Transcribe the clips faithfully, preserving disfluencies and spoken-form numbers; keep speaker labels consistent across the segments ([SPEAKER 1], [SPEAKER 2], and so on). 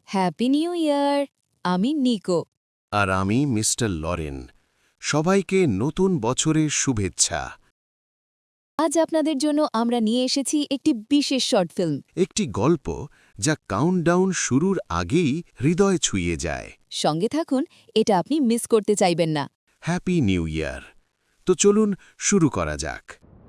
[SPEAKER 1] Happy new ইয়ার। আমি নিকো।
[SPEAKER 2] আর আমি mister Lauren. সবাইকে নতুন বছরের শুভেচ্ছা।
[SPEAKER 1] আজ আপনাদের জন্য আমরা নিয়ে এসেছি একটি বিশেষ শর্ট ফিল্ম।
[SPEAKER 2] একটি গল্প যা কাউন্টডাউন শুরুর আগেই হৃদয় ছুঁয়ে যায়।
[SPEAKER 1] সঙ্গে থাকুন, এটা আপনি মিস করতে চাইবেন না।
[SPEAKER 2] Happy new year. তো চলুন শুরু করা যাক।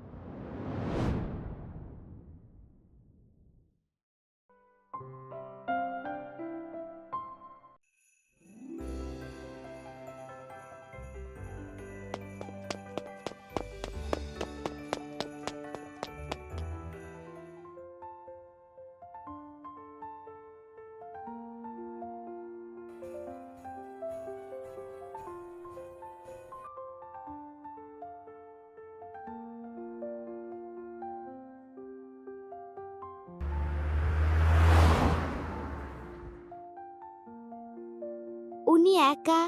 [SPEAKER 3] উনি একা।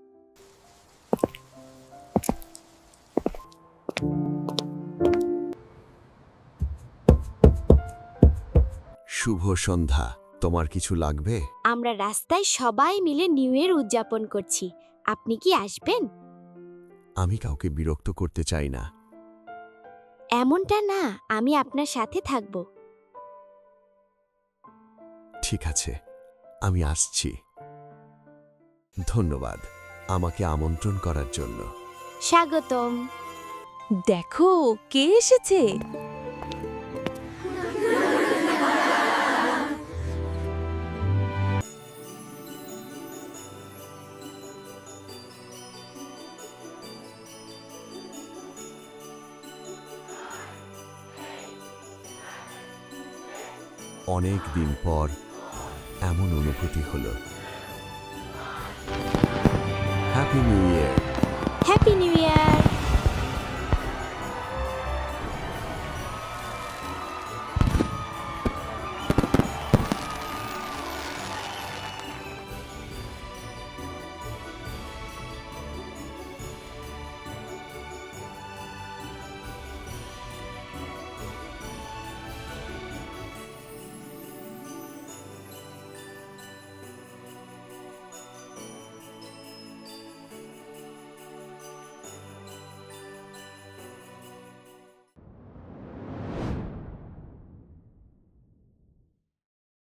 [SPEAKER 2] শুভ সন্ধ্যা। তোমার কিছু লাগবে?
[SPEAKER 3] আমরা রাস্তায় সবাই মিলে নিউ ইয়ার উদযাপন করছি। আপনি কি আসবেন?
[SPEAKER 2] আমি কাউকে বিরক্ত করতে চাই না।
[SPEAKER 3] এমনটা না, আমি আপনার সাথে থাকব।
[SPEAKER 2] ঠিক আছে, আমি আসছি। ধন্যবাদ আমাকে আমন্ত্রণ করার জন্য।
[SPEAKER 3] স্বাগতম।
[SPEAKER 1] দেখো কে এসেছে।
[SPEAKER 2] অনেক দিন পর এমন অনুভূতি হলো। হ্যাপি নিউ ইয়ার।